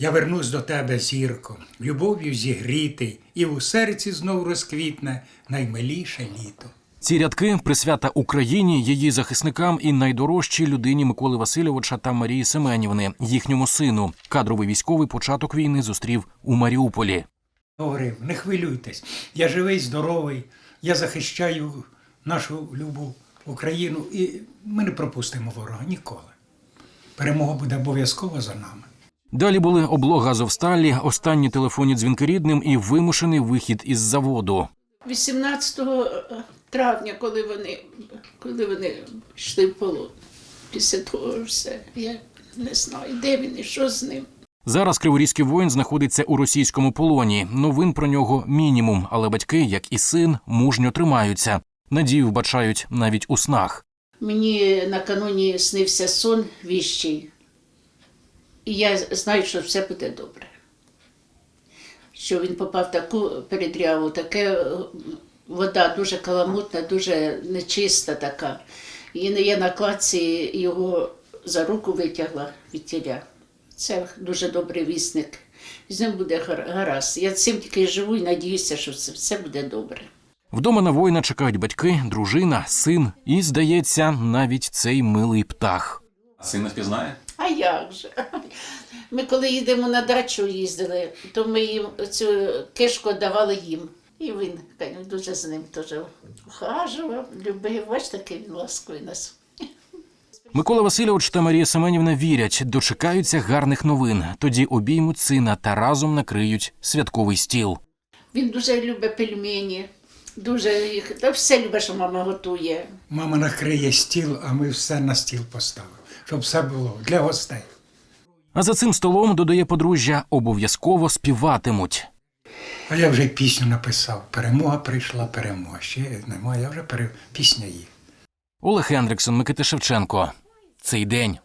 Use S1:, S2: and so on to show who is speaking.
S1: Я вернусь до тебе, зірко, любов'ю зігрітий, і у серці знов розквітне наймиліше літо.
S2: Ці рядки – присвята Україні, її захисникам і найдорожчій людині Миколи Васильовича та Марії Семенівни, їхньому сину. Кадровий військовий початок війни зустрів у Маріуполі.
S1: Говорив, не хвилюйтесь, я живий, здоровий, я захищаю нашу любу Україну і ми не пропустимо ворога ніколи. Перемога буде обов'язково за нами.
S2: Далі були облога Азовсталі, останні телефонні дзвінки рідним і вимушений вихід із заводу.
S3: 18 травня, коли вони йшли в полон, після того все, я не знаю, де він і що з ним.
S2: Зараз криворізький воїн знаходиться у російському полоні. Новин про нього мінімум, але батьки, як і син, мужньо тримаються. Надію вбачають навіть у снах.
S3: Мені накануні снився сон віщий, і я знаю, що все буде добре. Що він попав в таку передряву, таке вода дуже каламутна, дуже нечиста така. І я на кладці його за руку витягла від тіля. Це дуже добрий вісник. З ним буде гаразд. Я цим тільки живу і надіюся, що все буде добре.
S2: Вдома на воїна чекають батьки, дружина, син і, здається, навіть цей милий птах.
S4: Син не впізнає?
S3: А як же? Ми коли їдемо на дачу їздили, то ми їм цю кишку давали їм. І він дуже з ним теж ухажував, любив. Бачите, такий він ласковий нас.
S2: Микола Васильович та Марія Семенівна вірять, дочекаються гарних новин. Тоді обіймуть сина та разом накриють святковий стіл.
S3: Він дуже любить пельмені, дуже їх, та все любить, що мама готує.
S1: Мама накриє стіл, а ми все на стіл поставимо, щоб все було для гостей.
S2: А за цим столом, додає подружжя, обов'язково співатимуть.
S1: А я вже й пісню написав. Перемога прийшла, перемога. Ще немає, я вже пісня є.
S2: Олег Ендриксон, Микита Шевченко. Цей день.